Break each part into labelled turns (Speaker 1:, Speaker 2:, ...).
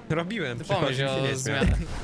Speaker 1: Robiłem,
Speaker 2: Ty pomyśl
Speaker 1: przychodzi się
Speaker 2: o
Speaker 1: nie
Speaker 2: zmianę.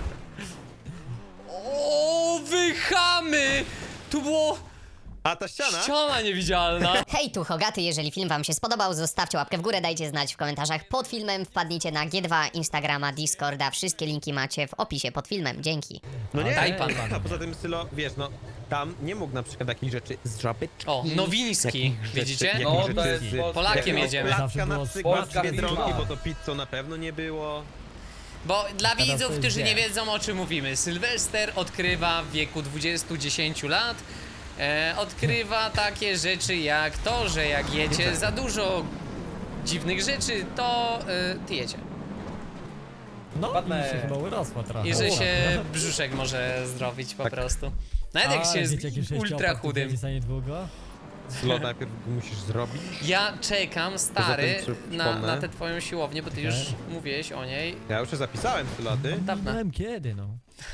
Speaker 2: O, wychamy! Tu było
Speaker 1: A ta ściana?
Speaker 2: ściana niewidzialna.
Speaker 3: Hej, tu Hogaty, jeżeli film wam się spodobał, zostawcie łapkę w górę, dajcie znać w komentarzach pod filmem, wpadnijcie na G2, Instagrama, Discorda, wszystkie linki macie w opisie pod filmem, dzięki.
Speaker 1: No nie,
Speaker 2: Daj pan.
Speaker 1: a poza tym Sylo, wiesz, no tam nie mógł na przykład takich rzeczy zrobić.
Speaker 2: O, Nowiński, widzicie?
Speaker 4: No, to jest
Speaker 2: Polakiem jedziemy.
Speaker 1: Placka na przykład
Speaker 4: Polska
Speaker 1: z Biedronki,
Speaker 4: firma.
Speaker 1: bo to pizzą na pewno nie było.
Speaker 2: Bo dla
Speaker 5: to
Speaker 2: widzów,
Speaker 5: jest
Speaker 2: którzy nie
Speaker 5: wie.
Speaker 2: wiedzą, o czym mówimy, Sylwester odkrywa w wieku 20-10 lat, odkrywa takie rzeczy jak to, że jak jecie za dużo dziwnych rzeczy, to tyjecie.
Speaker 5: No,
Speaker 4: Ładne.
Speaker 5: i się chyba urosła trochę.
Speaker 2: I że
Speaker 5: O,
Speaker 2: się brzuszek może zdrowić po prostu. Nawet jak się
Speaker 5: wiecie,
Speaker 2: jest
Speaker 5: jaki sześciopak
Speaker 2: ultra
Speaker 5: tu
Speaker 2: chudym.
Speaker 5: będzie za niedługo?
Speaker 1: Sylo, najpierw musisz zrobić.
Speaker 2: Ja czekam, stary,
Speaker 1: Poza tym, czy
Speaker 2: na
Speaker 1: przypomnę?
Speaker 2: tę twoją siłownię, bo ty już mówiłeś o niej.
Speaker 1: Ja już się zapisałem, Sylo, a ty?
Speaker 2: Dawno.
Speaker 5: Nie wiem kiedy, no.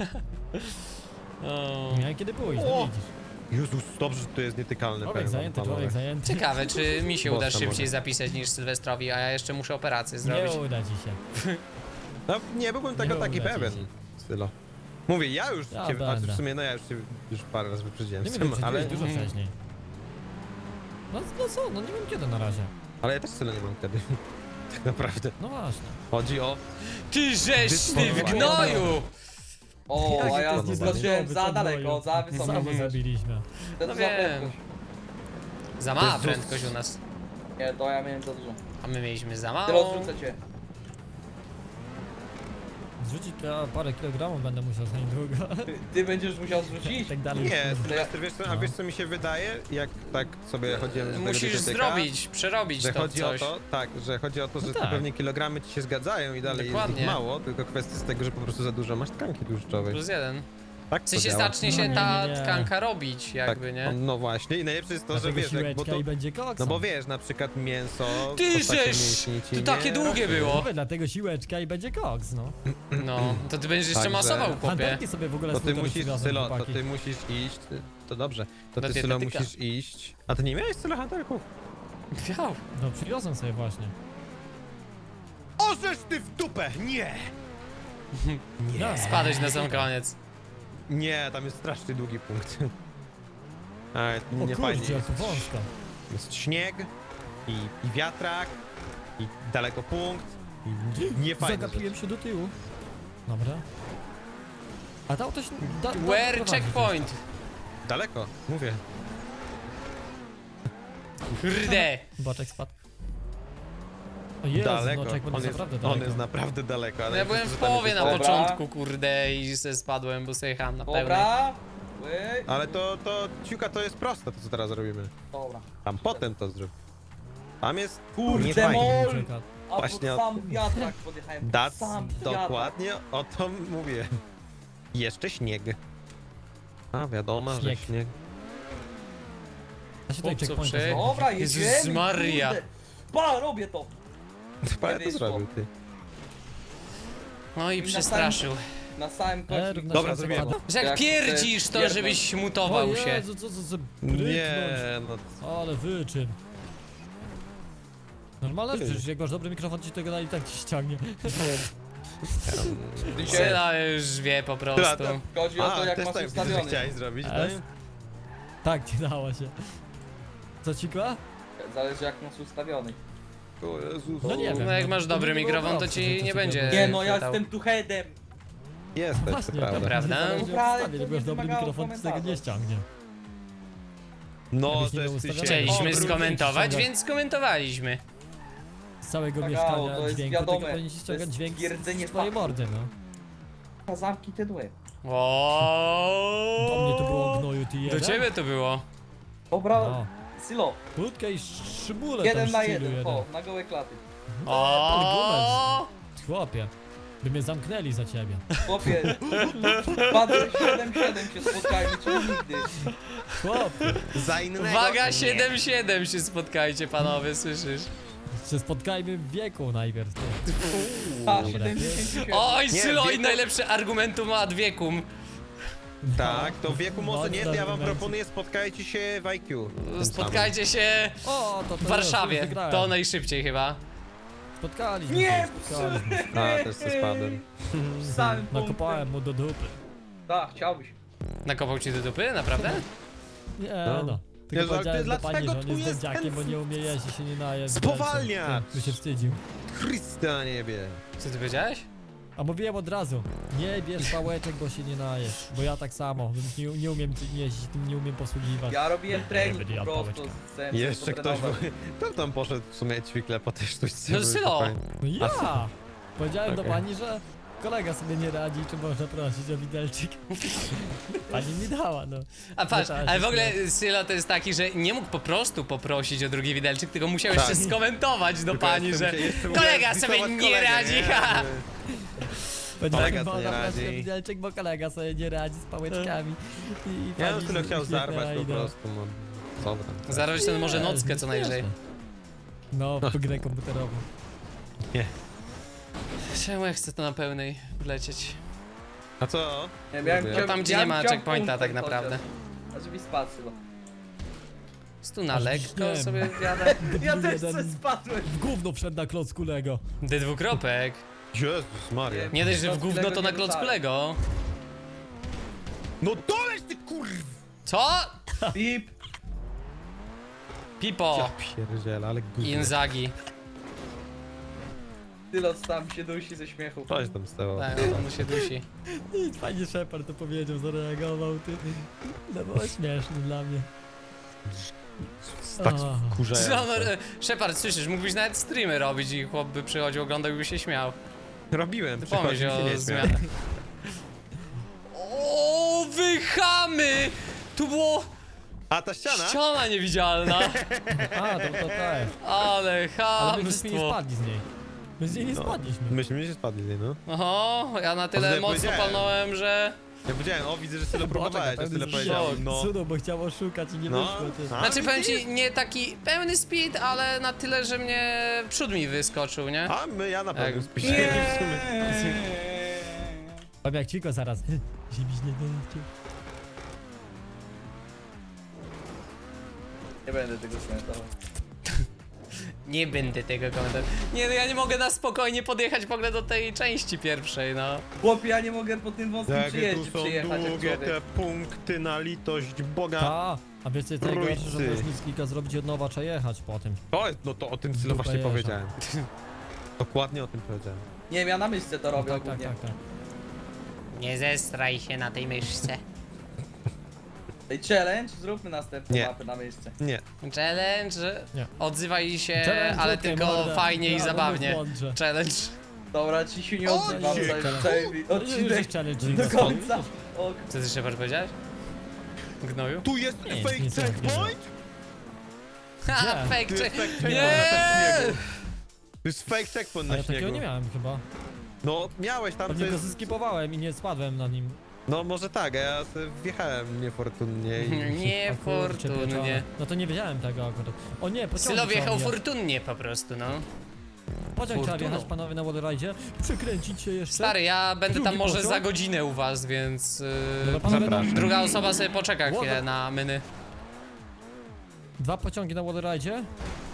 Speaker 2: O.
Speaker 5: Nie wiem kiedy pójść,
Speaker 1: O!
Speaker 5: no widzisz.
Speaker 1: Jezus, dobrze, że to jest nietykalny
Speaker 5: Człowiek
Speaker 1: pewnie,
Speaker 5: zajęty,
Speaker 1: panowie.
Speaker 5: człowiek zajęty.
Speaker 2: Ciekawe, czy mi się uda
Speaker 1: Bossa
Speaker 2: szybciej
Speaker 1: może.
Speaker 2: zapisać niż Sylwestrowi, a ja jeszcze muszę operację
Speaker 5: Nie
Speaker 2: zrobić.
Speaker 5: uda ci się.
Speaker 1: No, nie byłbym tego
Speaker 5: Nie
Speaker 1: taki
Speaker 5: uda ci
Speaker 1: pewien,
Speaker 5: się.
Speaker 1: Sylo. Mówię, ja już
Speaker 5: Ja
Speaker 1: cię, a
Speaker 5: będę.
Speaker 1: w sumie no ja już cię już parę razy wyprzedziłem,
Speaker 5: Nie
Speaker 1: Sym,
Speaker 5: wiem,
Speaker 1: ale,
Speaker 5: ale dużo wcześniej. No co, no nie wiem kiedy na razie.
Speaker 1: ale ja też Sylo nie mam wtedy. Tak naprawdę.
Speaker 5: No właśnie.
Speaker 1: Chodzi o...
Speaker 2: Ty żeś ty w
Speaker 1: Dysponowanie.
Speaker 2: gnoju!
Speaker 4: O,
Speaker 5: Jakie
Speaker 4: a
Speaker 5: to
Speaker 4: ja
Speaker 5: jest
Speaker 4: zobaczyłem
Speaker 5: niezadowolone,
Speaker 4: za
Speaker 5: co
Speaker 4: daleko,
Speaker 5: boją.
Speaker 4: za wysoko.
Speaker 5: Samo
Speaker 4: wiesz.
Speaker 5: zabiliśmy.
Speaker 4: To
Speaker 2: No
Speaker 4: za
Speaker 2: wiem.
Speaker 4: prędkość.
Speaker 2: Za mała
Speaker 1: Jezus.
Speaker 2: prędkość u nas.
Speaker 4: Nie, to ja miałem za dużo.
Speaker 2: A my mieliśmy za
Speaker 4: Ty
Speaker 2: mało.
Speaker 4: rozrzucę cię.
Speaker 5: Zrzucić to ja parę kilogramów będę musiał za niedługo.
Speaker 4: Ty będziesz musiał zrzucić.
Speaker 5: Tak dalej.
Speaker 1: Nie,
Speaker 4: To ja-
Speaker 1: Sylwester, wiesz co, a wiesz co mi się wydaje, jak tak sobie chodziłem do tego
Speaker 2: Musisz
Speaker 1: dietetyka,
Speaker 2: zrobić, przerobić
Speaker 1: że
Speaker 2: to w
Speaker 1: chodzi
Speaker 2: coś.
Speaker 1: o to, tak, że chodzi o to, że
Speaker 5: No
Speaker 1: te
Speaker 5: tak.
Speaker 1: pewnie kilogramy ci się zgadzają i dalej jest
Speaker 2: Dokładnie.
Speaker 1: ich mało, tylko kwestia z tego, że po prostu za dużo masz tkanki tłuszczowej.
Speaker 2: Plus jeden.
Speaker 1: Tak
Speaker 2: W
Speaker 1: to
Speaker 2: sensie
Speaker 1: działa.
Speaker 2: zacznie się
Speaker 5: No,
Speaker 2: ta
Speaker 5: nie.
Speaker 2: tkanka robić
Speaker 1: Tak,
Speaker 2: jakby, nie?
Speaker 1: no właśnie i najlepsze jest to, że
Speaker 5: Dlatego
Speaker 1: wiesz, jak, bo
Speaker 5: siłeczka
Speaker 1: to,
Speaker 5: i będzie koks.
Speaker 1: no bo wiesz, na przykład mięso,
Speaker 2: Ty
Speaker 1: postacie
Speaker 2: żeś!
Speaker 1: mięśni ci
Speaker 2: To takie
Speaker 1: nie
Speaker 2: długie
Speaker 1: rośnie.
Speaker 2: było.
Speaker 5: Mówię, dlatego siłeczka i będzie koks, no.
Speaker 2: No, to ty będziesz jeszcze
Speaker 1: Także-
Speaker 2: masował, chłopie.
Speaker 5: Hantelki sobie w ogóle
Speaker 1: To ty
Speaker 5: skutery
Speaker 1: musisz,
Speaker 5: przywiozłem,
Speaker 1: Sylo, to
Speaker 5: chłopaki.
Speaker 1: ty musisz iść, to dobrze, to
Speaker 2: Do
Speaker 1: ty Sylo
Speaker 2: dietetyka.
Speaker 1: musisz iść, a ty nie miałeś Sylo hantelków?
Speaker 2: Miał.
Speaker 5: No przywiozłem sobie właśnie.
Speaker 1: Orzesz ty w dupę, nie!
Speaker 5: Ja,
Speaker 2: Spadłeś na sam koniec.
Speaker 1: Nie, tam jest strasznie długi punkt. A,
Speaker 5: O
Speaker 1: nie fajnie
Speaker 5: kurczę, jak
Speaker 1: jest.
Speaker 5: to wąsko.
Speaker 1: Jest śnieg i wiatrak i daleko punkt i nie fajne
Speaker 5: Zagapiłem się do tyłu. Dobra. A to auto się...
Speaker 2: Where
Speaker 5: prowadzi
Speaker 2: checkpoint?
Speaker 1: Daleko, mówię.
Speaker 2: Kurde.
Speaker 5: Boczek spadł. O Jezu,
Speaker 1: Daleko.
Speaker 5: no checkpoint
Speaker 1: On
Speaker 5: jest
Speaker 1: jest,
Speaker 5: naprawdę
Speaker 1: on
Speaker 5: daleko.
Speaker 1: jest naprawdę daleko. Ale
Speaker 2: Ja byłem w
Speaker 1: że tam jest
Speaker 2: połowie na
Speaker 1: daleko.
Speaker 4: Dobra.
Speaker 2: początku, kurde, i se spadłem, bo sobie jechałem na pełnej.
Speaker 4: Dobra. Ły.
Speaker 1: Ale to ciuka to jest proste, to co teraz robimy.
Speaker 4: Dobra.
Speaker 1: Tam potem to zrób. Tam jest
Speaker 4: Kurde,
Speaker 1: nie fajnie.
Speaker 4: mol!
Speaker 5: Czeka.
Speaker 4: A pod
Speaker 1: Właśnie-
Speaker 4: sam wiatrak podjechałem. pod
Speaker 1: Dac,
Speaker 4: sam wiatrak.
Speaker 1: dokładnie o to mówię. Jeszcze śnieg. A wiadomo,
Speaker 5: Śnieg.
Speaker 1: że śnieg.
Speaker 5: Da się tutaj
Speaker 2: Chłopcu,
Speaker 5: checkpointa
Speaker 2: prze-
Speaker 5: zrobić.
Speaker 4: Dobra,
Speaker 2: Jezus
Speaker 4: jedziemy.
Speaker 2: Maria.
Speaker 4: kurde. Pa, robię to.
Speaker 1: Parę to
Speaker 4: wyszło.
Speaker 1: zrobił, ty.
Speaker 2: No i
Speaker 4: na
Speaker 2: przestraszył.
Speaker 4: Na samym końcu.
Speaker 5: Równa
Speaker 1: Dobra,
Speaker 5: szansa
Speaker 1: zrobiłem.
Speaker 5: pada.
Speaker 2: Że jak
Speaker 4: Jak
Speaker 2: pierdzisz,
Speaker 4: chcesz
Speaker 2: to
Speaker 4: pierdol.
Speaker 2: żebyś
Speaker 5: O
Speaker 2: mutował się.
Speaker 5: Jezu, co za
Speaker 1: Nie,
Speaker 5: bryknąć.
Speaker 1: no
Speaker 5: Ale wyczyn. Normalne, że przecież jak masz dobry mikrofon, ci tego i tak ci ściągnie.
Speaker 4: Dzisiaj
Speaker 2: Syla już wie po prostu.
Speaker 4: chodzi o to, jak
Speaker 1: też
Speaker 4: masz
Speaker 1: tak widzę, że
Speaker 4: ustawiony.
Speaker 1: chciałeś zrobić, no
Speaker 5: S.
Speaker 1: i...
Speaker 5: Tak, ci dało się. Co ci kła?
Speaker 4: Zależy jak masz ustawiony.
Speaker 1: O Jezus.
Speaker 5: No nie wiem.
Speaker 2: No jak
Speaker 5: no,
Speaker 2: masz
Speaker 5: to
Speaker 2: dobry
Speaker 5: nie było
Speaker 2: mikrofon, to
Speaker 5: opcji,
Speaker 2: ci
Speaker 5: że
Speaker 2: nie
Speaker 5: to
Speaker 2: będzie.
Speaker 4: Nie no, ja
Speaker 2: chwytał.
Speaker 4: jestem tu headem.
Speaker 1: Jesteś, to
Speaker 5: Właśnie,
Speaker 1: prawda.
Speaker 2: Prawda?
Speaker 5: Zależy jak
Speaker 4: Dobra,
Speaker 5: ustawię, jak
Speaker 4: to
Speaker 5: masz
Speaker 4: nie
Speaker 5: dobry
Speaker 4: wymagało
Speaker 5: mikrofon, to tego nie
Speaker 4: komentarza.
Speaker 5: ściągnie.
Speaker 1: No,
Speaker 5: Jakbyś nie
Speaker 1: że
Speaker 5: był
Speaker 1: ty się...
Speaker 5: ustawiony.
Speaker 2: Chcieliśmy
Speaker 5: O,
Speaker 2: skomentować,
Speaker 5: ściągać.
Speaker 2: więc skomentowaliśmy.
Speaker 5: Z całego
Speaker 4: Tak,
Speaker 5: mieszkania
Speaker 4: to jest
Speaker 5: dźwięku,
Speaker 4: wiadome.
Speaker 5: tylko powinien się
Speaker 4: To
Speaker 5: ściągać
Speaker 4: jest
Speaker 5: dźwięk
Speaker 4: twierdzenie
Speaker 5: z twojej
Speaker 4: faktu.
Speaker 5: mordy, no.
Speaker 4: Zamki te dły.
Speaker 2: O.
Speaker 5: Do mnie to było gnoju, ty jeden.
Speaker 2: Do ciebie to było.
Speaker 4: Dobra,
Speaker 5: No.
Speaker 4: Sylo.
Speaker 5: Krótka i szybule
Speaker 4: 1
Speaker 5: tam
Speaker 4: na
Speaker 5: szczylu
Speaker 4: 1, o, na gołe klaty.
Speaker 2: O.
Speaker 5: Chłopie, by mnie zamknęli za ciebie.
Speaker 4: Chłopie, padłem 7-7 się spotkajmy, czyli nigdy.
Speaker 5: Chłopie,
Speaker 1: Za innego...
Speaker 2: Waga
Speaker 1: Nie.
Speaker 2: 7-7 się spotkajcie, panowie, słyszysz?
Speaker 5: się spotkajmy w wieku najpierw. Ty.
Speaker 4: A,
Speaker 5: Dobra.
Speaker 4: 77.
Speaker 2: Oj,
Speaker 1: Nie,
Speaker 2: Sylo, i
Speaker 1: wieku-
Speaker 2: najlepsze argumentum ad wiekum.
Speaker 1: Tak, to w wieku może nie, to ja wam
Speaker 5: Mocno
Speaker 1: proponuję spotkajcie się w IQ. tym
Speaker 2: Spotkajcie się
Speaker 5: O, to
Speaker 2: w Warszawie.
Speaker 5: już wygrałem.
Speaker 2: To najszybciej chyba.
Speaker 5: Spotkaliśmy
Speaker 4: Nie,
Speaker 5: się, spotkaliśmy.
Speaker 1: A, też se spadłem.
Speaker 4: W samym
Speaker 5: Nakopałem mu do dupy.
Speaker 4: Tak, chciałbyś.
Speaker 2: Nakopał ci do dupy, naprawdę?
Speaker 5: Nie
Speaker 1: No.
Speaker 5: no.
Speaker 1: Jezu,
Speaker 5: Tylko
Speaker 1: ale
Speaker 5: powiedziałem do pani,
Speaker 1: dlaczego
Speaker 5: że on
Speaker 1: tu
Speaker 5: jest
Speaker 1: jest
Speaker 5: dędziakiem, bo
Speaker 1: ten-
Speaker 5: nie umie jeść i się nie naje.
Speaker 1: Spowalniacz!
Speaker 5: By się wstydził.
Speaker 1: Chryste na niebie.
Speaker 2: Co ty powiedziałeś?
Speaker 5: A mówiłem od razu, nie bierz pałeczek, bo się nie najesz. Bo ja tak samo, nie umiem tym jeździć, tym nie umiem posługiwać.
Speaker 4: Ja robiłem trening
Speaker 5: będę
Speaker 4: po
Speaker 5: jadł
Speaker 4: prostu.
Speaker 5: pałeczkę.
Speaker 4: Chcę
Speaker 1: Jeszcze
Speaker 4: sobie
Speaker 1: ktoś...
Speaker 4: potrenować.
Speaker 1: Kto tam poszedł w sumie ćwikle po tej sztućce?
Speaker 2: No
Speaker 1: żeby
Speaker 2: Sylo.
Speaker 1: spokojnie-
Speaker 5: No ja! Powiedziałem do
Speaker 1: Okej.
Speaker 5: pani, że kolega sobie nie radzi, czy można prosić o widelczyk. Pani mi dała, no.
Speaker 2: A patrz,
Speaker 5: Zaczęła się
Speaker 2: ale w ogóle
Speaker 5: śmiać.
Speaker 2: Sylo to jest taki, że nie mógł po prostu poprosić o drugi widelczyk, tylko musiał
Speaker 1: Tak.
Speaker 2: jeszcze skomentować do
Speaker 1: Tylko
Speaker 2: pani,
Speaker 1: jeszcze
Speaker 2: że
Speaker 1: jeszcze
Speaker 2: kolega
Speaker 1: musiałem
Speaker 2: sobie
Speaker 1: zdisować
Speaker 2: nie
Speaker 1: kolegę,
Speaker 2: radzi,
Speaker 1: nie?
Speaker 2: ha!
Speaker 5: Powiedziałem,
Speaker 1: Kolega
Speaker 5: bo
Speaker 1: sobie
Speaker 5: ona
Speaker 1: radzi.
Speaker 5: prosi o widelczyk, bo kolega sobie nie radzi z pałeczkami. I
Speaker 1: Ja
Speaker 5: pani
Speaker 1: bym tyle
Speaker 5: się
Speaker 1: chciał
Speaker 5: uśmiechnęła
Speaker 1: zarwać po
Speaker 5: i no.
Speaker 1: prostu, no. Co wy tam?
Speaker 2: Zarobić ten może
Speaker 5: Nie,
Speaker 2: nockę co najwyżej.
Speaker 5: śmieszne. No, w grę komputerową.
Speaker 1: Nie.
Speaker 2: Czemu ja chcę to na pełnej wlecieć?
Speaker 1: A co?
Speaker 4: Nie, miałem,
Speaker 1: Lubię.
Speaker 2: No tam, gdzie nie ma checkpointa tak naprawdę.
Speaker 4: A żeby spadł chyba.
Speaker 2: Tu na
Speaker 5: Aż
Speaker 2: lekko
Speaker 5: wiem.
Speaker 2: sobie jadę.
Speaker 4: Ja też
Speaker 5: Jeden
Speaker 4: coś spadłem.
Speaker 5: W gówno wszedł na klocku Lego.
Speaker 2: D2.
Speaker 1: Jezus Maria.
Speaker 2: Nie dość, że w
Speaker 4: Klocki
Speaker 2: gówno
Speaker 4: Lego
Speaker 2: to na
Speaker 4: nie
Speaker 2: klocku
Speaker 4: rzucałem.
Speaker 2: Lego.
Speaker 1: No doleć ty kurw!
Speaker 2: Co?
Speaker 4: Pip.
Speaker 2: Pipo.
Speaker 1: Ja pierdzielę, ale gówno.
Speaker 2: Inzagi.
Speaker 4: Tylot tam się dusi ze śmiechu.
Speaker 1: Coś tam stało.
Speaker 2: Tak, on się dusi.
Speaker 5: I fajnie Shepard to powiedział, zareagował, ty. No było śmieszne dla mnie.
Speaker 1: Tak
Speaker 5: Aha.
Speaker 1: wkurzające.
Speaker 2: Shepard, słyszysz, mógłbyś nawet streamy robić i chłop by przychodził, oglądał i by się śmiał.
Speaker 1: Robiłem,
Speaker 2: Ty
Speaker 1: przychodzi
Speaker 2: pomyśl
Speaker 1: się
Speaker 2: o
Speaker 1: nie śmiać.
Speaker 2: zmianach. O, wy chamy! Tu było
Speaker 1: A ta ściana?
Speaker 2: ściana niewidzialna.
Speaker 5: A, to też.
Speaker 2: Ale
Speaker 5: Ale myśmy nie
Speaker 2: chamstwo.
Speaker 5: spadli z niej. My z niej nie
Speaker 1: No.
Speaker 5: spadliśmy.
Speaker 1: Myśmy się spadli, no.
Speaker 2: Oho, ja na
Speaker 1: A
Speaker 2: tyle
Speaker 1: wtedy
Speaker 2: mocno
Speaker 1: powiedziałem.
Speaker 2: palnąłem, że...
Speaker 1: Ja powiedziałem, o widzę, że tyle próbowałeś, ja tyle powiedziałem, no.
Speaker 5: Cudo, bo chciał oszukać i nie
Speaker 1: No.
Speaker 5: wyszło, ty.
Speaker 1: A,
Speaker 2: Znaczy powiem
Speaker 1: widzisz?
Speaker 2: ci, nie taki pełny speed, ale na tyle, że mnie przód mi wyskoczył, nie?
Speaker 1: A ja na pewno
Speaker 2: Jak-
Speaker 1: spiszę w sumie.
Speaker 5: Powiem jak Ciko zaraz. Ziemić nie dęcie.
Speaker 4: Nie będę tego komentował.
Speaker 2: Nie będę tego komentował. Nie, no ja nie mogę na spokojnie podjechać w ogóle do tej części pierwszej, no.
Speaker 4: Chłopie, ja nie mogę po tym wąskim
Speaker 1: Jakie
Speaker 4: przyjeździe
Speaker 1: tu są
Speaker 4: przyjechać jak
Speaker 1: długie
Speaker 4: człowiek.
Speaker 1: te punkty na litość Boga.
Speaker 5: Ta, a wiecie co najgorsze, że
Speaker 1: Trójcy.
Speaker 5: możesz nic kilka zrobić od nowa, trzeba jechać po tym.
Speaker 1: To jest, no to o tym Sylo
Speaker 5: Dupa
Speaker 1: właśnie
Speaker 5: jeża.
Speaker 1: powiedziałem. Dokładnie o tym powiedziałem.
Speaker 4: Nie wiem, ja na myszce to robię
Speaker 5: Tak, tak,
Speaker 4: ogólnie.
Speaker 5: tak, tak.
Speaker 2: Nie zestraj się na tej myszce.
Speaker 4: Ej, challenge, zróbmy następną
Speaker 1: Nie.
Speaker 4: mapę na myszce.
Speaker 1: Nie.
Speaker 2: Challenge,
Speaker 5: Nie.
Speaker 2: odzywaj się,
Speaker 5: Challenge,
Speaker 2: ale
Speaker 5: okej,
Speaker 2: tylko
Speaker 5: morda.
Speaker 2: fajnie i
Speaker 5: Ja
Speaker 2: zabawnie.
Speaker 5: włączę.
Speaker 2: Challenge.
Speaker 4: Dobra, ci się nie
Speaker 1: O,
Speaker 4: odzywam
Speaker 1: nie.
Speaker 4: cały
Speaker 5: Już
Speaker 4: odcinek
Speaker 5: jest challenge.
Speaker 4: do końca. O,
Speaker 2: Co ty Shepard powiedziałeś? Gnoju?
Speaker 1: Tu jest
Speaker 5: Nie,
Speaker 1: fake
Speaker 5: nic nie
Speaker 1: checkpoint?
Speaker 2: Ha,
Speaker 5: Gdzie?
Speaker 2: fake
Speaker 1: Tu jest
Speaker 2: check.
Speaker 1: fake checkpoint
Speaker 2: Nie!
Speaker 1: na śniegu. To jest fake checkpoint
Speaker 5: A
Speaker 1: na
Speaker 5: ja takiego
Speaker 1: śniegu.
Speaker 5: nie miałem chyba.
Speaker 1: No miałeś tam
Speaker 5: Pewnie go
Speaker 1: coś...
Speaker 5: zeskipowałem i nie spadłem na nim.
Speaker 1: No może tak, a ja sobie wjechałem niefortunnie i...
Speaker 5: A kurczę,
Speaker 2: Niefortunnie.
Speaker 5: pieczone. No to nie wiedziałem tego akurat. O nie, pociąg
Speaker 2: Sylo wjechał
Speaker 5: trzeba
Speaker 2: fortunnie po prostu, no.
Speaker 5: Pociąg trzeba
Speaker 2: fortuną.
Speaker 5: wjechać panowie na Wallride'zie. Przekręcić się jeszcze.
Speaker 2: Stary, ja będę tam
Speaker 5: Drugi
Speaker 2: może
Speaker 5: pociąg?
Speaker 2: za godzinę u was, więc...
Speaker 5: Dobra, panowie,
Speaker 1: Zapraszam.
Speaker 5: no,
Speaker 2: Druga osoba sobie poczeka chwilę
Speaker 5: Łoda.
Speaker 2: na myny.
Speaker 5: 2 pociągi na Wallride'zie.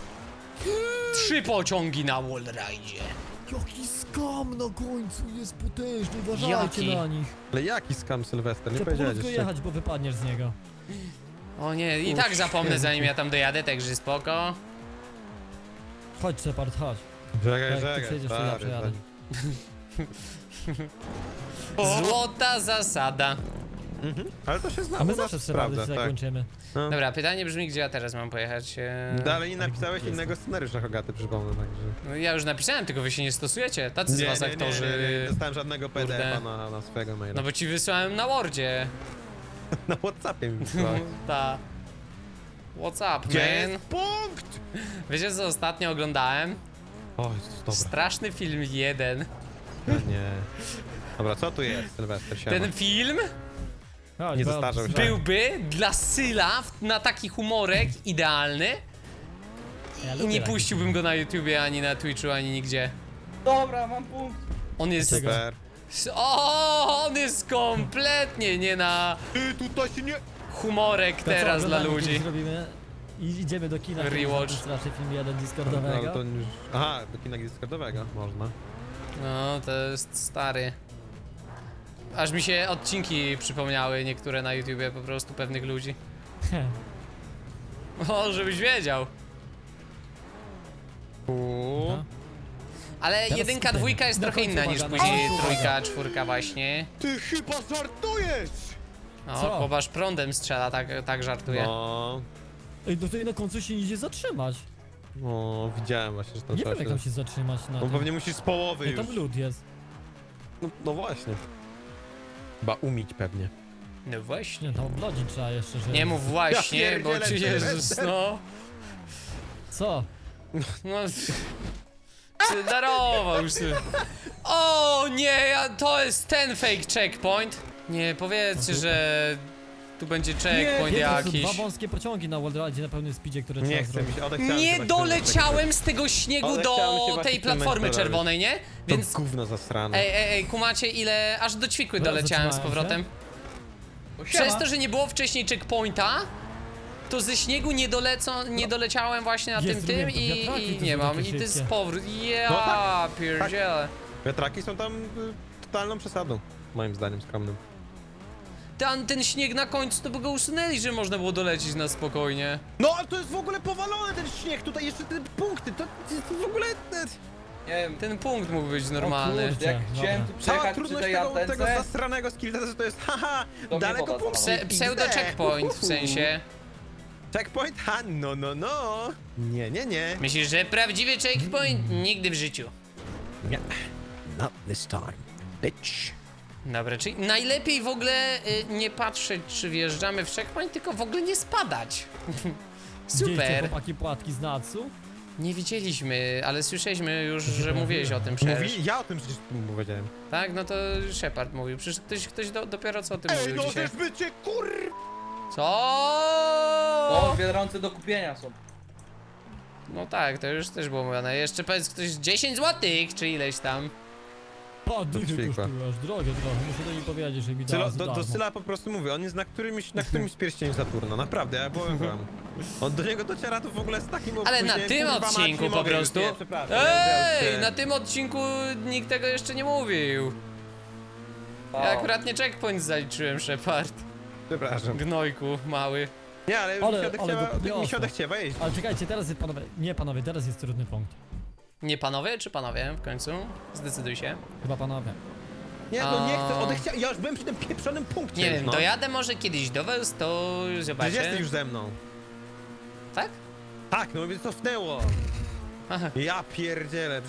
Speaker 2: 3 pociągi na wallride.
Speaker 5: Jaki skam na końcu jest potężny, uważajcie
Speaker 2: Jaki?
Speaker 5: na nich.
Speaker 1: Ale jaki skam Sylwester? Nie
Speaker 5: Trzeba
Speaker 1: powiedziałeś
Speaker 5: powolutku
Speaker 1: jeszcze.
Speaker 5: jechać, bo wypadniesz z niego.
Speaker 2: O nie, i
Speaker 1: O,
Speaker 2: tak zapomnę
Speaker 1: święty.
Speaker 2: zanim ja tam dojadę, także spoko.
Speaker 5: Chodź Shepard, chodź.
Speaker 1: Czekaj,
Speaker 5: Jak ty
Speaker 1: czekaj,
Speaker 5: przejdziesz, to ja
Speaker 1: stary,
Speaker 5: przejadę.
Speaker 2: Złota zasada.
Speaker 1: Ale to się zna,
Speaker 5: A my
Speaker 1: u nas
Speaker 5: zawsze z
Speaker 1: sprawdza,
Speaker 5: Shepardem
Speaker 1: tak.
Speaker 5: kończymy.
Speaker 1: No.
Speaker 2: Dobra, pytanie brzmi, gdzie ja teraz mam pojechać?
Speaker 1: Dalej nie napisałeś
Speaker 5: jest.
Speaker 1: innego scenariusza, Hogaty, przypomnę, także...
Speaker 2: No, ja już napisałem, tylko wy się nie stosujecie. Tacy z was aktorzy.
Speaker 1: nie dostałem żadnego
Speaker 2: Kurde.
Speaker 1: PDF-a na swojego maila.
Speaker 2: No bo ci wysłałem na Wordzie.
Speaker 1: Na Whatsappie mi wysłałeś.
Speaker 2: Ta. What's up,
Speaker 1: Gdzie
Speaker 2: man?
Speaker 1: jest punkt?
Speaker 2: Wiecie co ostatnio oglądałem?
Speaker 1: O, Jezus, dobra.
Speaker 2: Straszny film 1.
Speaker 1: Nie. Dobra, co tu jest, Sylwester? Siema.
Speaker 2: Ten film
Speaker 5: Chodź,
Speaker 1: Nie
Speaker 5: bo-
Speaker 1: zestarzał się.
Speaker 2: byłby dla Syla na taki humorek idealny
Speaker 5: Ja
Speaker 2: i
Speaker 5: lubię
Speaker 2: nie
Speaker 5: taki
Speaker 2: puściłbym go na YouTubie, ani na Twitchu, ani nigdzie.
Speaker 4: Dobra, mam punkt.
Speaker 2: On jest...
Speaker 5: Dlaczego?
Speaker 1: Super.
Speaker 2: O, on jest kompletnie nie na
Speaker 1: Ty, tutaj się nie...
Speaker 2: humorek
Speaker 5: To co,
Speaker 2: teraz dla
Speaker 5: oglądanie
Speaker 2: ludzi.
Speaker 5: kiedyś Zrobimy I idziemy do kina.
Speaker 2: Rewatch.
Speaker 5: Straszny film 1
Speaker 1: No,
Speaker 5: Discordowego.
Speaker 1: ale to już... Aha, do kina Discordowego można.
Speaker 2: No, to jest stary. Aż mi się odcinki przypomniały, niektóre na YouTubie po prostu pewnych ludzi. O, żebyś wiedział.
Speaker 5: No.
Speaker 2: Ale
Speaker 5: Teraz
Speaker 2: jedynka,
Speaker 5: ten,
Speaker 2: dwójka jest
Speaker 5: na
Speaker 2: trochę
Speaker 5: końcu
Speaker 2: inna niż
Speaker 5: uwaga, na
Speaker 2: później
Speaker 5: końcu
Speaker 2: trójka,
Speaker 5: uwaga.
Speaker 2: czwórka właśnie.
Speaker 1: Ty chyba żartujesz!
Speaker 2: O,
Speaker 5: Co?
Speaker 2: Kobasz prądem strzela, tak żartuje.
Speaker 1: No,
Speaker 5: Ej, no tutaj na końcu się nie idzie zatrzymać.
Speaker 1: no, widziałem właśnie, że tam
Speaker 5: Nie
Speaker 1: trzeba
Speaker 5: wiem jak tam się zatrzymać na
Speaker 1: No
Speaker 5: tym.
Speaker 1: pewnie musisz z połowy
Speaker 5: Ej,
Speaker 1: już.
Speaker 5: tam lód jest.
Speaker 1: No właśnie. Chyba umić pewnie.
Speaker 2: No właśnie.
Speaker 5: Nie, tam oblodzić trzeba jeszcze, że...
Speaker 2: Nie mów właśnie,
Speaker 1: Ja
Speaker 2: bo ci
Speaker 1: pierdzielę,
Speaker 2: Jezus, no.
Speaker 5: Co?
Speaker 2: No. Ty darował już sobie. O nie, to jest ten fake checkpoint. Nie, powiedzcie, że tu będzie checkpoint
Speaker 5: Nie, to są
Speaker 2: jakiś.
Speaker 5: dwa wąskie pociągi na Wallride'zie na pełnym speedzie, które
Speaker 1: Nie
Speaker 5: trzeba
Speaker 1: chcę
Speaker 5: zrobić.
Speaker 1: mi się, odechciałem się
Speaker 2: Nie
Speaker 1: właśnie
Speaker 2: doleciałem z tego śniegu
Speaker 1: Odechciałem się
Speaker 2: do
Speaker 1: właśnie
Speaker 2: tej
Speaker 1: w tym
Speaker 2: platformy
Speaker 1: momencie
Speaker 2: czerwonej, nie?
Speaker 1: Więc...
Speaker 2: Więc.
Speaker 1: To gówno zasrane.
Speaker 2: Ej, kumacie ile. Aż do ćwikły
Speaker 5: Dobra,
Speaker 2: doleciałem z
Speaker 5: zatrzymałem
Speaker 2: powrotem.
Speaker 4: O,
Speaker 2: Przez
Speaker 4: siema.
Speaker 2: to, że nie było wcześniej checkpointa, to ze śniegu nie doleciałem właśnie na
Speaker 5: Jest,
Speaker 2: tym
Speaker 5: zrobiłem to.
Speaker 2: i
Speaker 5: Wiatraki to
Speaker 2: nie
Speaker 5: są
Speaker 2: mam.
Speaker 5: takie
Speaker 2: I to jest
Speaker 5: szybkie.
Speaker 2: powrót.
Speaker 1: No
Speaker 2: Ja
Speaker 1: tak,
Speaker 2: pierdzielę.
Speaker 1: Wiatraki są tam totalną przesadą. Moim zdaniem skromnym.
Speaker 2: Ten śnieg na końcu to by go usunęli, że można było dolecieć na spokojnie.
Speaker 1: No ale to jest w ogóle powalone ten śnieg, tutaj jeszcze te punkty, to w ogóle...
Speaker 4: Nie wiem,
Speaker 2: Ten punkt mógł być normalny.
Speaker 5: kurde.
Speaker 4: jak
Speaker 5: Dobra.
Speaker 4: chciałem tu
Speaker 1: Cała
Speaker 4: przejechać przy
Speaker 1: trudność
Speaker 4: tej
Speaker 1: tego
Speaker 4: antence,
Speaker 1: zasranego skillta, że to jest haha,
Speaker 4: To mnie
Speaker 1: daleko
Speaker 4: woda
Speaker 1: punkt.
Speaker 4: zalała.
Speaker 2: Pseudo checkpoint w sensie.
Speaker 1: Checkpoint? Ha, no. Nie.
Speaker 2: Myślisz, że prawdziwy checkpoint? Nigdy w życiu.
Speaker 1: Nie. Not this time, bitch.
Speaker 2: Dobra, czyli najlepiej w ogóle nie patrzeć, czy wjeżdżamy w checkpoint, tylko w ogóle nie spadać.
Speaker 5: Widzieliście
Speaker 2: Super.
Speaker 5: chłopaki płatki z Natsu?
Speaker 2: Nie widzieliśmy, ale słyszeliśmy już, że mówiłeś o tym przecież.
Speaker 1: Ja o tym przecież powiedziałem.
Speaker 2: Tak, no to Shepard mówił. Przecież ktoś dopiero co o tym
Speaker 1: Ej,
Speaker 2: mówił
Speaker 1: no
Speaker 2: dzisiaj.
Speaker 1: też bycie kur...
Speaker 2: Co?
Speaker 4: o, Biedronce do kupienia są.
Speaker 2: No tak, to już też było mówione. Jeszcze powiedz ktoś 10 złotych, czy ileś tam.
Speaker 5: O, dychy
Speaker 1: ćwikła.
Speaker 5: kosztuje, aż drogie trochę. Muszę do niej powiedzieć, że mi
Speaker 1: Sylo,
Speaker 5: dała za
Speaker 1: do
Speaker 5: darmo.
Speaker 1: Syla po prostu mówię, on jest na którymś z pierścieni Saturna, naprawdę, ja byłem. On do niego dociera to w ogóle z takim
Speaker 2: Ale na
Speaker 1: opóźnieniem,
Speaker 2: tym
Speaker 1: kurwa, mać,
Speaker 2: odcinku
Speaker 1: nie
Speaker 2: po
Speaker 1: mogę już,
Speaker 2: prostu.
Speaker 1: nie, przepraszam, ja
Speaker 2: Ej,
Speaker 1: już,
Speaker 2: na tym odcinku nikt tego jeszcze nie mówił. Ja akurat nie checkpoint zaliczyłem, Shepard.
Speaker 1: Przepraszam.
Speaker 2: Gnojku, mały.
Speaker 1: Nie, ale,
Speaker 5: Ale-
Speaker 1: mi się
Speaker 5: ale
Speaker 1: odechciewa,
Speaker 5: go podniosło.
Speaker 1: mi się odechciewa jeździć.
Speaker 5: Ale czekajcie, teraz jest panowie. Nie panowie, teraz jest trudny punkt.
Speaker 2: Nie panowie, czy panowie w końcu? Zdecyduj się.
Speaker 5: Chyba panowie.
Speaker 1: Nie, no nie chcę,
Speaker 2: A.
Speaker 1: odechciałem, ja już byłem przy tym pieprzonym punkcie.
Speaker 2: Nie
Speaker 1: już,
Speaker 2: wiem,
Speaker 1: no.
Speaker 2: dojadę może kiedyś do was, to
Speaker 1: Przecież
Speaker 2: zobaczę.
Speaker 1: jesteś już ze mną.
Speaker 2: Tak?
Speaker 1: Tak, no mnie cofnęło.
Speaker 2: Aha.
Speaker 1: Ja pierdzielę.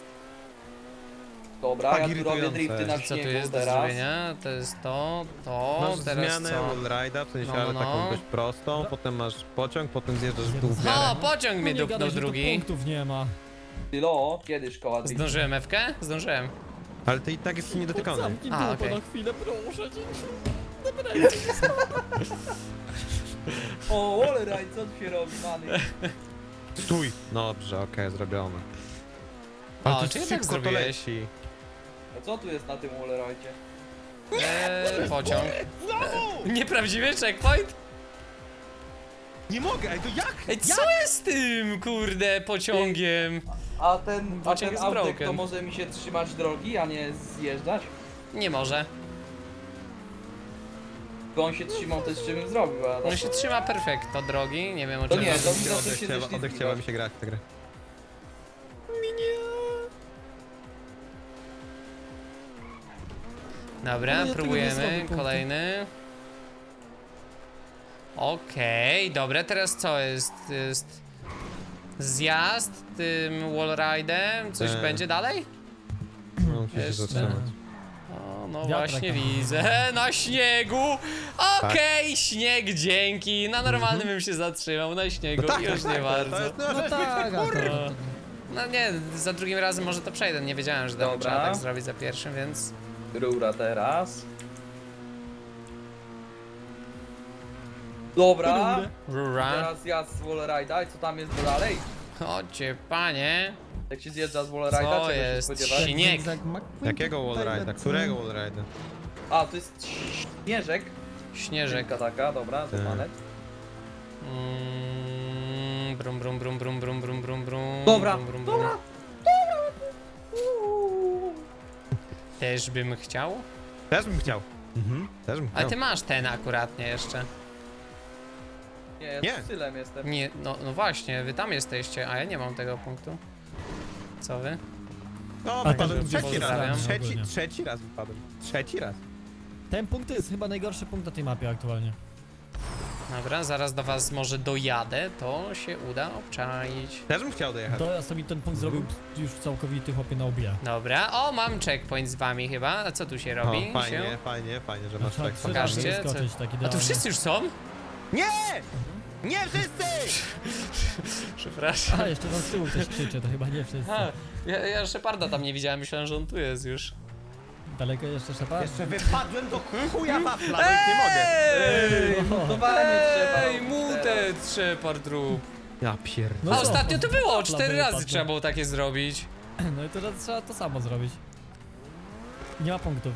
Speaker 4: Dobra,
Speaker 1: Tak
Speaker 4: ja tu robię
Speaker 1: irytujące.
Speaker 4: drifty na
Speaker 2: Co tu
Speaker 4: śniegu
Speaker 2: jest do
Speaker 4: teraz.
Speaker 2: zrobienia? To jest to,
Speaker 1: Masz
Speaker 2: teraz
Speaker 1: zmianę
Speaker 2: co?
Speaker 1: wallride'a, w sensie
Speaker 2: No,
Speaker 1: ale
Speaker 2: no.
Speaker 1: taką dość prostą,
Speaker 5: No.
Speaker 1: potem masz pociąg, potem zjeżdżasz w dół w miarę.
Speaker 2: O, pociąg mnie
Speaker 5: No nie
Speaker 2: do
Speaker 5: gadaj, że tu
Speaker 2: drugi.
Speaker 5: punktów nie ma.
Speaker 4: Tylo, kiedy szkoła driftu?
Speaker 2: Zdążyłem Ewkę? Zdążyłem.
Speaker 1: Ale ty i tak jesteś niedotykany.
Speaker 5: Zamknij
Speaker 2: A,
Speaker 5: dupę
Speaker 2: okej.
Speaker 5: na chwilę, proszę cię.
Speaker 4: O, Wallride, co tu się robi, many?
Speaker 1: Stój! Dobrze, okej, zrobione.
Speaker 2: O,
Speaker 1: Ale to
Speaker 2: czy
Speaker 1: szybko
Speaker 2: jednak
Speaker 1: to
Speaker 2: zrobiłeś?
Speaker 1: leci.
Speaker 4: A co tu jest na tym Wallride'zie?
Speaker 2: Pociąg. Nieprawdziwy checkpoint?
Speaker 1: Nie mogę, ej, to jak?
Speaker 2: Ej, co jest z tym, kurde, pociągiem?
Speaker 4: A ten
Speaker 2: Pociąg jest
Speaker 4: autek
Speaker 2: broken.
Speaker 4: to może mi się trzymać drogi, a nie zjeżdżać?
Speaker 2: Nie może.
Speaker 4: Bo on się trzymał, to z czym bym zrobił, a
Speaker 2: On się trzyma perfekto drogi, nie wiem o
Speaker 4: To
Speaker 2: czym.
Speaker 4: nie, to mi
Speaker 1: Odechciewa-
Speaker 4: za coś się
Speaker 1: odechciewa- Odechciewa mi się grać w tę grę.
Speaker 2: Dobra,
Speaker 5: Ale ja tego nie zrobię
Speaker 2: próbujemy,
Speaker 5: punktu.
Speaker 2: kolejny. Okej, dobra, teraz co jest? Jest zjazd tym wallride'em, coś
Speaker 1: Tak.
Speaker 2: będzie dalej?
Speaker 1: No, muszę się
Speaker 2: Jeszcze.
Speaker 1: zatrzymać.
Speaker 2: O, no
Speaker 5: Wiatrak
Speaker 2: właśnie
Speaker 5: tam.
Speaker 2: widzę, na śniegu! Okej,
Speaker 1: Tak.
Speaker 2: śnieg, dzięki! Na normalnym bym się zatrzymał, na śniegu,
Speaker 1: No tak,
Speaker 2: już
Speaker 1: tak,
Speaker 2: nie
Speaker 1: tak,
Speaker 2: bardzo.
Speaker 1: To jest, no,
Speaker 5: No
Speaker 1: że-
Speaker 5: tak, a to...
Speaker 2: No nie, za drugim razem może to przejdę, nie wiedziałem, że
Speaker 4: Dobra.
Speaker 2: trzeba tak zrobić za pierwszym, więc...
Speaker 4: Rura teraz. Dobra,
Speaker 2: Rura.
Speaker 4: teraz ja z Wallride'a i co tam jest dalej?
Speaker 2: Chodźcie, panie.
Speaker 4: Jak się zjeżdża z
Speaker 2: Co
Speaker 4: Wallride'a, czego się
Speaker 2: jest?
Speaker 4: spodziewać?
Speaker 2: Śnieg.
Speaker 1: Jakiego wallride'a? Którego wallride'a?
Speaker 4: A, to jest śnieżek.
Speaker 2: Śnieżek.
Speaker 4: Taka, dobra, to
Speaker 1: Tak.
Speaker 4: mamy.
Speaker 2: brum, brum, brum, brum, brum, brum, brum.
Speaker 4: Dobra,
Speaker 2: brum, brum, brum.
Speaker 4: dobra.
Speaker 2: Też bym chciał.
Speaker 1: Też bym chciał. Też bym
Speaker 2: Ale
Speaker 1: chciał.
Speaker 2: ty masz ten akuratnie jeszcze.
Speaker 4: Nie, ja
Speaker 1: Nie.
Speaker 4: z Sylem jestem.
Speaker 2: Nie, no właśnie, wy tam jesteście, a ja nie mam tego punktu. Co wy?
Speaker 1: No,
Speaker 5: A
Speaker 1: wypadłem
Speaker 2: tam
Speaker 1: trzeci
Speaker 2: pozdrawiam.
Speaker 1: raz.
Speaker 5: Ogólnie.
Speaker 1: Trzeci raz wypadłem. Trzeci raz.
Speaker 5: Ten punkt to jest chyba najgorszy punkt na tej mapie aktualnie.
Speaker 2: Dobra, zaraz do was może dojadę, to się uda obczaić.
Speaker 1: Też bym chciał dojechać.
Speaker 5: To ja sobie ten punkt zrobił już całkowity chłopie na obija.
Speaker 2: Dobra, o mam checkpoint z wami chyba, a co tu się robi?
Speaker 1: O, fajnie, fajnie, że masz
Speaker 5: Trzeba
Speaker 1: tak.
Speaker 5: 3 razy
Speaker 2: Pokażcie,
Speaker 5: wyskoczyć tak
Speaker 2: A tu
Speaker 5: idealnie.
Speaker 2: wszyscy już są?
Speaker 1: Nie! Nie wszyscy!
Speaker 2: Przepraszam.
Speaker 5: A, jeszcze tam z tyłu ktoś krzyczy, to chyba nie wszyscy.
Speaker 2: A, ja Sheparda tam nie widziałem, myślałem, że on tu jest już.
Speaker 5: Daleko jeszcze Shepard?
Speaker 1: Jeszcze wypadłem do chuja wafla, no już nie mogę.
Speaker 4: Ej, mutowanie trzeba.
Speaker 2: Ej, mutet Shepard rób.
Speaker 1: Ja pierdolę.
Speaker 5: No
Speaker 2: A
Speaker 5: co?
Speaker 2: ostatnio to było,
Speaker 5: Wafla
Speaker 2: 4 razy
Speaker 5: wypadła.
Speaker 2: trzeba było takie zrobić.
Speaker 5: No i teraz trzeba to samo zrobić. Nie ma punktów.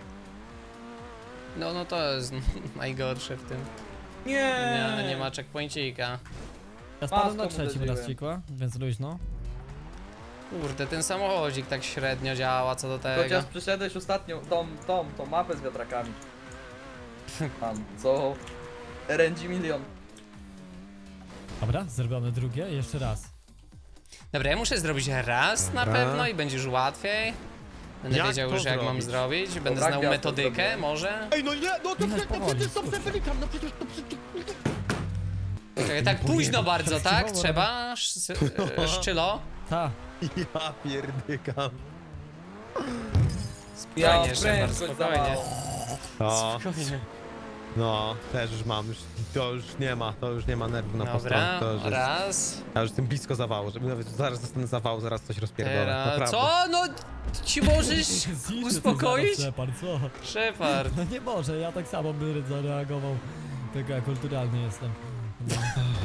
Speaker 2: No to jest najgorsze w tym. Nie ma checkpointika.
Speaker 5: Ja spadłem
Speaker 4: Maską
Speaker 5: na trzecim raz
Speaker 4: uderzyłem.
Speaker 5: cikła, więc luźno.
Speaker 2: Kurde, ten samochodzik tak średnio działa co do tego.
Speaker 4: Chociaż przyszedłeś ostatnio tą mapę z wiatrakami. Tam, co? RNG milion.
Speaker 5: Dobra, zrobione drugie, jeszcze raz.
Speaker 2: Dobra, ja muszę zrobić raz na
Speaker 1: Dobra.
Speaker 2: pewno i będzie już łatwiej. Będę
Speaker 1: Jak
Speaker 2: wiedział
Speaker 1: to
Speaker 2: już jak mam
Speaker 1: zrobić?
Speaker 2: zrobić, będę
Speaker 4: Dobra,
Speaker 2: znał
Speaker 4: gwiazdę
Speaker 2: metodykę
Speaker 4: zrobię.
Speaker 2: może.
Speaker 1: Ej, no nie, no to
Speaker 5: Jechać powoli,
Speaker 1: przecież to
Speaker 5: kurczę.
Speaker 1: przepraszam, no przecież to
Speaker 2: Czekaj, tak późno bardzo, tak?
Speaker 5: Chciało,
Speaker 2: Trzeba? Szczylo?
Speaker 5: Ta,
Speaker 1: Ja pierdykam.
Speaker 2: Spokojnie, Shepard,
Speaker 4: prędkość
Speaker 2: spokojnie.
Speaker 1: O,
Speaker 2: Spokojnie.
Speaker 1: no, też już mam, to już nie ma nerwów na postronę.
Speaker 2: Dobra,
Speaker 1: To już jest,
Speaker 2: raz.
Speaker 1: ja już jestem blisko zawału, żeby nawet zaraz dostanę zawału, zaraz coś rozpierdolę,
Speaker 2: Teraz.
Speaker 1: naprawdę.
Speaker 2: Co? No, ci możesz
Speaker 5: Zniszczy ty
Speaker 2: uspokoić?
Speaker 5: zaraz, Shepard, co?
Speaker 2: Shepard.
Speaker 5: No nie może, ja tak samo bym zareagował. Tylko ja kulturalny jestem. No.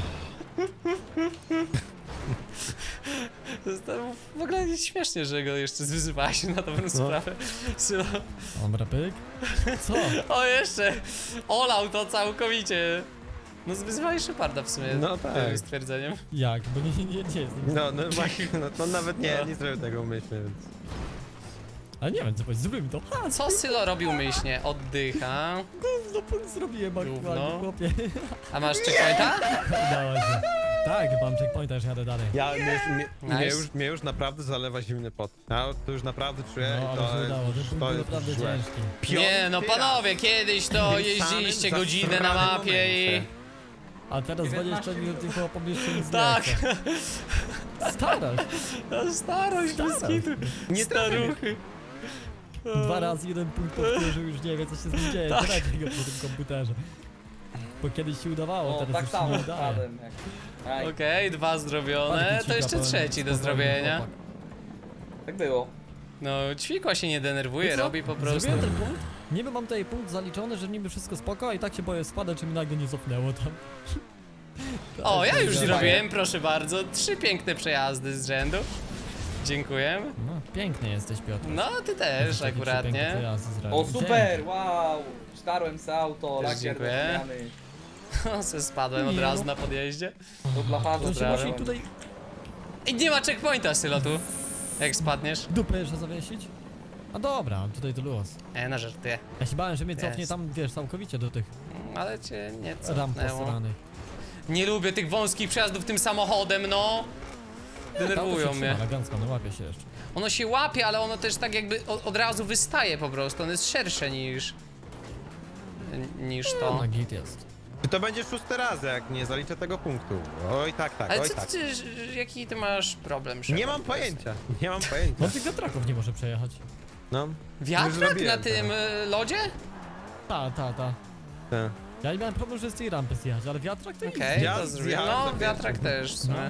Speaker 2: To jest w ogóle śmiesznie, że go jeszcze zwyzywałeś na dobrą sprawę. Sylo.
Speaker 5: Dobra, pyk. Co?
Speaker 2: O, jeszcze! Olał to całkowicie. No zwyzywałeś Sheparda w sumie.
Speaker 1: No tak.
Speaker 2: Tym stwierdzeniem.
Speaker 5: Jak? Bo nie jest.
Speaker 1: No właśnie, no to nawet nie zrobił tego umyślnie, więc...
Speaker 5: Ale nie wiem co powiedzieć, zrobimy to. Ha,
Speaker 2: Co Sylo robił myślnie? Oddycha.
Speaker 5: no punkt zrobiłem aktualnie,
Speaker 2: Gówno.
Speaker 5: chłopie.
Speaker 2: A masz checkpointa?
Speaker 5: Udało się. Tak, mam checkpointa, już jadę dalej.
Speaker 1: Ja,
Speaker 2: Nice.
Speaker 1: mnie już naprawdę zalewa zimny pot. Ja to już naprawdę czuję
Speaker 5: No,
Speaker 1: i to
Speaker 5: ale się udało, ten
Speaker 1: jest,
Speaker 5: punkt
Speaker 1: to
Speaker 5: był
Speaker 1: jest
Speaker 5: naprawdę
Speaker 1: złe.
Speaker 5: ciężki.
Speaker 2: Nie, no
Speaker 1: Piąty
Speaker 2: panowie, kiedyś to
Speaker 1: W tym
Speaker 2: jeździliście
Speaker 1: samym
Speaker 2: godzinę na
Speaker 1: zasranym
Speaker 2: mapie i...
Speaker 1: momencie.
Speaker 5: A teraz 20 minut tylko pomieszczę nic
Speaker 2: Tak.
Speaker 5: nie chce. Starasz.
Speaker 2: No, starość bez kitu.
Speaker 1: Nie
Speaker 2: Staruchy.
Speaker 5: 2 razy jeden punkt powtórzył, już nie wie co się z nim dzieje.
Speaker 2: Tak.
Speaker 5: Traci go po tym komputerze. Bo kiedyś się udawało,
Speaker 4: O,
Speaker 5: teraz
Speaker 4: tak
Speaker 5: już się
Speaker 4: samo
Speaker 5: nie udaje.
Speaker 4: spadłem. Aj,
Speaker 2: Okej, 2 zrobione,
Speaker 5: Bardziej
Speaker 2: to jeszcze
Speaker 5: cika,
Speaker 2: trzeci do
Speaker 5: powiem,
Speaker 2: zrobienia.
Speaker 5: chłopak.
Speaker 4: tak było.
Speaker 2: No, Ćwikła się nie denerwuje,
Speaker 5: Wiesz co?
Speaker 2: robi po prostu.
Speaker 5: Zrobiłem ten punkt, niby mam tutaj punkt zaliczony, że niby wszystko spoko, a i tak się boję spadać, czy mi nagle nie cofnęło tam.
Speaker 2: O, ja już
Speaker 5: Tak,
Speaker 2: zrobiłem, proszę bardzo, 3 piękne przejazdy z rzędu. Dziękuję.
Speaker 5: No, piękny jesteś, Piotr.
Speaker 2: No, ty też
Speaker 5: Taki
Speaker 2: akurat,
Speaker 5: piękny
Speaker 2: nie?
Speaker 5: przejazd zrobił.
Speaker 4: O, super, wow! Starłem se auto,
Speaker 2: Też
Speaker 4: lakier
Speaker 2: dziękuję.
Speaker 4: zmiany.
Speaker 2: Se spadłem od
Speaker 5: Nie,
Speaker 2: razu
Speaker 5: no.
Speaker 2: na podjeździe.
Speaker 4: Do blacharza
Speaker 5: To się
Speaker 2: Pozdrawiam.
Speaker 5: właśnie tutaj
Speaker 2: I nie ma checkpointa, Sylo, tu. Jak spadniesz?
Speaker 5: dupę jeszcze zawiesić? A dobra, tutaj to luz.
Speaker 2: Na żartuję.
Speaker 5: Ja się bałem, że mnie
Speaker 2: Jest.
Speaker 5: cofnie tam, wiesz, całkowicie do tych
Speaker 2: Ale cię nie
Speaker 5: ram
Speaker 2: cofnęło.
Speaker 5: posranych.
Speaker 2: Nie lubię tych wąskich przejazdów tym samochodem, no. Denerwują mnie.
Speaker 5: Elegancko, no łapie się jeszcze.
Speaker 2: Ono się łapie, ale ono też tak jakby od razu wystaje po prostu. On jest szersze niż to.
Speaker 5: Na git jest.
Speaker 1: Czy to będzie 6 raz, jak nie zaliczę tego punktu? Oj tak,
Speaker 2: Ale
Speaker 1: oj
Speaker 2: co
Speaker 1: tak.
Speaker 2: ty, jaki ty masz problem,
Speaker 1: Nie
Speaker 2: Shepard?
Speaker 1: mam pojęcia, nie mam pojęcia.
Speaker 5: No tych wiatraków nie może przejechać.
Speaker 1: No. Już
Speaker 2: Wiatrak na
Speaker 1: zrobiłem
Speaker 2: tym lodzie?
Speaker 5: Ta.
Speaker 1: Tak.
Speaker 5: Ja nie miałem problemu, że z tej rampy zjechać, ale wiatrak to nic.
Speaker 2: Okej,
Speaker 1: Ja
Speaker 2: to zrobię.
Speaker 1: zjadłem
Speaker 2: No,
Speaker 1: za
Speaker 2: wiatrak
Speaker 1: pierwszym.
Speaker 2: też w sumie.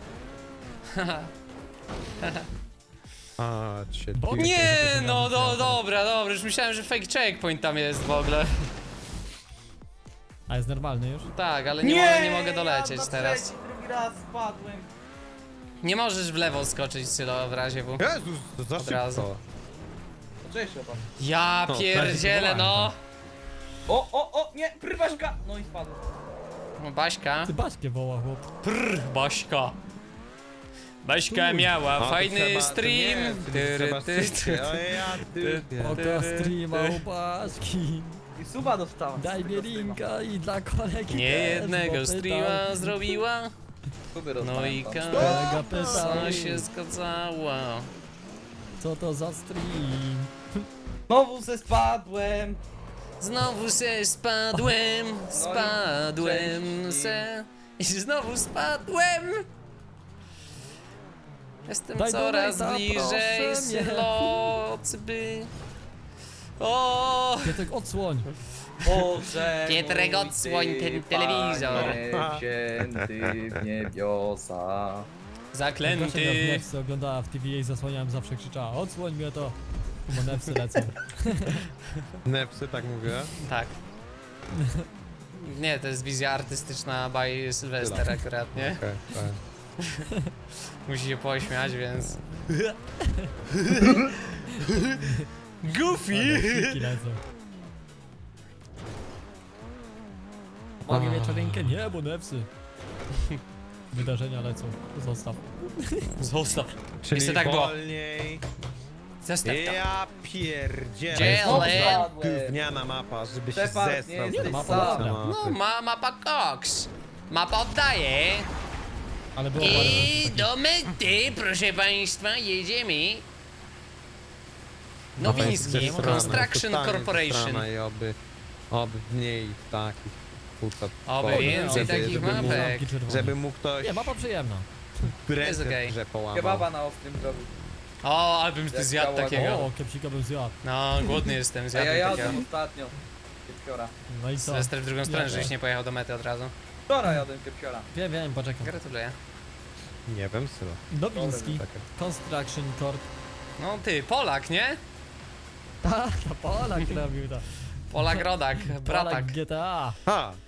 Speaker 1: A, cię
Speaker 5: Bo-
Speaker 1: ty-
Speaker 2: Nie,
Speaker 5: to
Speaker 2: no
Speaker 5: miałem
Speaker 2: dobra, już myślałem, że fake checkpoint tam jest w ogóle.
Speaker 5: A jest normalny już?
Speaker 2: Tak, ale nie mogę dolecieć
Speaker 4: ja na
Speaker 2: teraz.
Speaker 4: trzeci, drugi raz spadłem.
Speaker 2: Nie możesz w lewo skoczyć, Sylo, w razie W.
Speaker 1: Jezus, to za
Speaker 2: Od razu.
Speaker 1: szybko.
Speaker 4: No cześć, chyba.
Speaker 2: Ja
Speaker 1: No,
Speaker 2: pierdzielę, no.
Speaker 4: O, nie, prywaśka! No i spadłem.
Speaker 2: No, Baśka.
Speaker 5: Ty Baśkę woła, chłop.
Speaker 2: Baśka. Baśka miała
Speaker 1: O, to
Speaker 2: fajny
Speaker 1: trzeba- to
Speaker 2: stream.
Speaker 1: nie, to trzeba szybciej. O ja, ty.
Speaker 5: Oka streama u Baśki.
Speaker 4: I suba dostałem.
Speaker 5: Daj mi linka i dla kolegi
Speaker 2: Nie
Speaker 5: też,
Speaker 2: jednego
Speaker 5: bo
Speaker 2: streama
Speaker 5: pytał.
Speaker 2: zrobiła.
Speaker 4: Suby
Speaker 2: No
Speaker 4: dostałem.
Speaker 2: i
Speaker 5: Kolega pytał,
Speaker 2: kasa się zgadzała.
Speaker 5: co to za stream?
Speaker 4: Znowu se spadłem.
Speaker 2: Znowu se spadłem, spadłem
Speaker 4: części.
Speaker 2: se i znowu spadłem. Jestem
Speaker 5: Daj
Speaker 2: coraz
Speaker 5: donata,
Speaker 2: bliżej
Speaker 5: proszę mnie.
Speaker 2: Slocby. O!
Speaker 5: Piotrek, odsłoń.
Speaker 4: Boże
Speaker 2: Pietrek,
Speaker 4: mój,
Speaker 2: odsłoń
Speaker 4: ty,
Speaker 2: ten telewizor.
Speaker 4: Panie wzięty w niebiosa.
Speaker 5: Kasia miała w
Speaker 2: Zaklęty.
Speaker 5: Nefsy oglądała w TV i zasłaniałem, zawsze krzyczała: odsłoń mnie to. Bo Nefsy lecą.
Speaker 1: Nepsy, tak mówię.
Speaker 2: Tak. Nie, to jest wizja artystyczna by Sylwester akurat, nie?
Speaker 1: Okej, tak.
Speaker 2: Musi się pośmiać, więc... Goofy!
Speaker 5: Nefsiki lecą. Mogę wieczorynkę? Nie, bo Nefsy. Wydarzenia lecą. Zostaw.
Speaker 2: Zostaw.
Speaker 1: Czyli
Speaker 2: Jeszcze tak było.
Speaker 1: wolniej.
Speaker 2: Zostaw to.
Speaker 1: Ja pierdzielę.
Speaker 2: Gdzie
Speaker 4: Znowu
Speaker 2: Ale-
Speaker 4: spadłem.
Speaker 1: Gówniana mapa, żeby się
Speaker 4: Stefan, nie
Speaker 1: zestrał.
Speaker 4: jesteś
Speaker 1: z tej
Speaker 5: sam.
Speaker 1: mapy.
Speaker 2: No, mapa Cox. Mapa oddaje.
Speaker 5: Ale było
Speaker 2: I
Speaker 5: parę
Speaker 2: do mety, proszę państwa, jedziemy. Nowiński, Construction Corporation.
Speaker 1: I oby mniej takich kurczę.
Speaker 2: Oby więcej takich mapek.
Speaker 1: Żeby mógł ktoś
Speaker 5: Nie, mapa przyjemna.
Speaker 1: ręce
Speaker 2: Jest
Speaker 1: w
Speaker 2: okej.
Speaker 1: grze połamał.
Speaker 4: Kebaba na ostrym zrobił.
Speaker 2: O, albym ty
Speaker 4: Jak
Speaker 2: zjadł
Speaker 4: działa-
Speaker 2: takiego.
Speaker 5: O, kepsika bym zjadł.
Speaker 2: No, głodny jestem,
Speaker 4: A ja
Speaker 2: zjadłem takiego.
Speaker 4: jadłem ostatnio. Kepsiora.
Speaker 5: No i co?
Speaker 2: Sylwester w drugą stronę,
Speaker 5: Ja
Speaker 2: żebyś
Speaker 5: też.
Speaker 2: nie pojechał do mety od razu.
Speaker 4: Wczoraj jadłem kepsiora.
Speaker 5: Wiem, poczekam.
Speaker 2: Gratuluję.
Speaker 1: Nie wiem, Sylo.
Speaker 5: Nowiński.
Speaker 1: Czekaj.
Speaker 5: Construction Corp.
Speaker 2: No ty, Polak, nie?
Speaker 5: Tak, Polak robił to.
Speaker 2: Polak Rodak, bratak.
Speaker 5: Polak GTA.
Speaker 1: Ha!